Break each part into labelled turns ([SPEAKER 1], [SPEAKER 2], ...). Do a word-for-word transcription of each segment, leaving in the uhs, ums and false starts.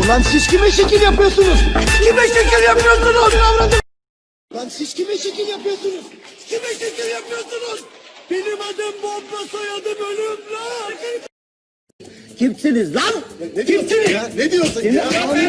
[SPEAKER 1] Lan siz kime şekil yapıyorsunuz? Kime şekil yapıyorsunuz? Lan siz kime şekil yapıyorsunuz? Kime şekil yapıyorsunuz? Benim adım Bomba, soyadım Ölüm lan. Kimsiniz lan? Ne Kimsiniz? Ya? Ne diyorsun ya?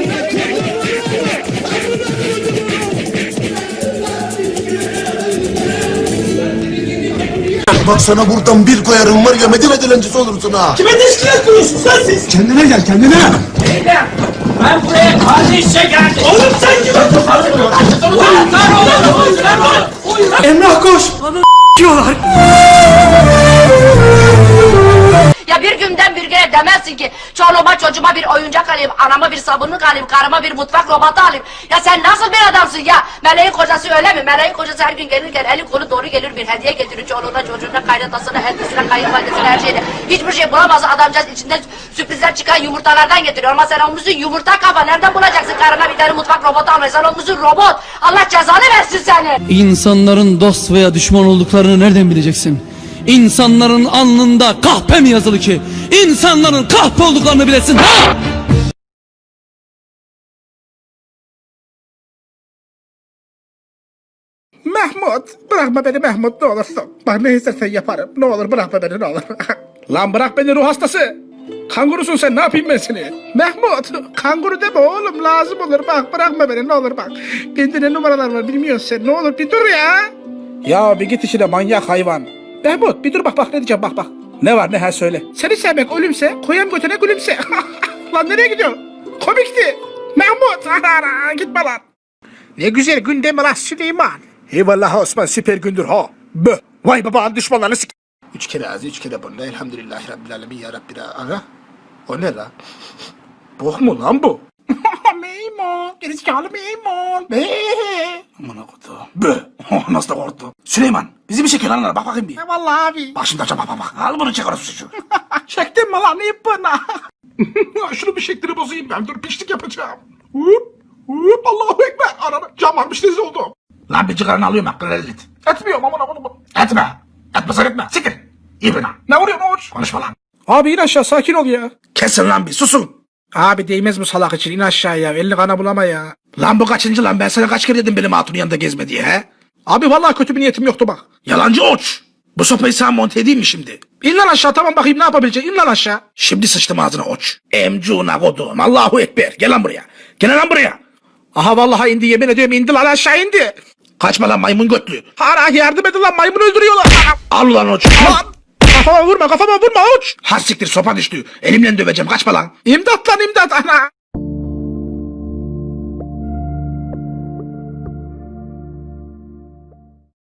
[SPEAKER 2] Bak sana buradan bir koyarım var ya, Medine dilencisi olursun ha.
[SPEAKER 1] Kime teşkilat kuruyorsun sen siz?
[SPEAKER 2] Kendine gel kendine.
[SPEAKER 3] Beyler, ben buraya kardeşçe geldim.
[SPEAKER 1] Oğlum sen kime tutuyorsun?
[SPEAKER 3] Ulan lan oğlum, lan oğlum.
[SPEAKER 1] Emrah koş. Bana diyorlar.
[SPEAKER 4] Ya bir günden bir güne demezsin ki çoluğuma çocuğuma bir oyuncak alayım, anama bir sabunluk alayım, karıma bir mutfak robotu alayım. Ya sen nasıl bir adamsın ya? Meleğin kocası öyle mi? Meleğin kocası her gün gelirken eli kolu doğru gelir, bir hediye getirir çoluğuna çocuğuna, kaynatasına, eltisine, kayınvalidesine, her şeyine. Hiçbir şey bulamaz adamcağız, içinden sürprizler çıkan yumurtalardan getiriyor. Ama sen olmuşsun yumurta kafa, nereden bulacaksın karına bir tane mutfak robotu almayı? Sen olmuşsun robot. Allah cezanı versin seni.
[SPEAKER 5] İnsanların dost veya düşman olduklarını nereden bileceksin? İnsanların alnında kahpe mi yazılı ki? İnsanların kahpe olduklarını bilesin ha!
[SPEAKER 6] Mahmut, bırakma beni Mahmut, ne olursun. Bak ne istersen yaparım. Ne olur bırakma beni, ne olur. Lan bırak beni ruh hastası. Kangurusun sen, ne yapayım ben seni? Mahmut, kanguru deme oğlum, lazım olur. Bak bırakma beni, ne olur bak. Bende ne numaralar var bilmiyorsun sen, ne olur bir dur ya. Ya bir git işine manyak hayvan. Mahmut bir dur, bak bak ne diyeceğim, bak bak. Ne var ne, ha söyle. Seni sevmek ölümse, koyam götüne gülümse. Lan nereye gidiyorsun? Komikti. Mahmut, ara, gitme lan. Ne güzel gündem lan Süleyman. Eyvallah Osman, süper gündür ha. Bö. Vay babanın düşmanlarını sik... Üç kere ağzı, üç kere bununla. Elhamdülillahi Rabbil alemin ya Rabbi. Ara. O ne lan? Bok mu lan bu? Meymun. Gerizekalı meymun. Beee. Aman okudu. Bö. Nasıl da korktu. Süleyman. Bizi bir çekiyor lan. Bak bakayım bir. Vallahi abi. Bak şimdi açacağım, bak bak bak. Al bunu çek orası şu. Çektin mi lan? İyi bana. Şunu bir şeklini bozayım ben. Dur pişlik yapacağım. Hop. Hop. Allahu Ekber. Arada cam varmış, rezil oldum. Lan bir cigaranı alıyorum hakkını rezil et. Etmiyorum aman aman aman. Etme. Etmesen etme. Siktir. İyi bana. Ne vuruyorsun oğuz? Konuşma lan. Abi in aşağı, sakin ol ya. Kesin lan bir, susun. Abi değmez bu salak için, in aşağıya. Elini kana bulama ya. Lan bu kaçıncı lan? Ben sana kaç kere dedim benim hatunun yanında gezme diye he? Abi vallahi kötü bir niyetim yoktu bak. Yalancı oç. Bu sopayı sana monte edeyim mi şimdi? İn lan aşağı, tamam bakayım ne yapabileceksin, in lan aşağı. Şimdi sıçtım ağzına oç. Emcuna kodum. Allahu Ekber. Gel lan buraya. Gel lan buraya. Aha vallahi indi, yemin ediyorum indi lan, aşağı indi. Kaçma lan maymun götlü. Hara yardım edin lan, maymun öldürüyorlar. Al lan oç. Al. Kafama vurma, kafama vurma oç. Ha siktir, sopa düştü. Elimle döveceğim, kaçma lan. İmdat lan imdat ana.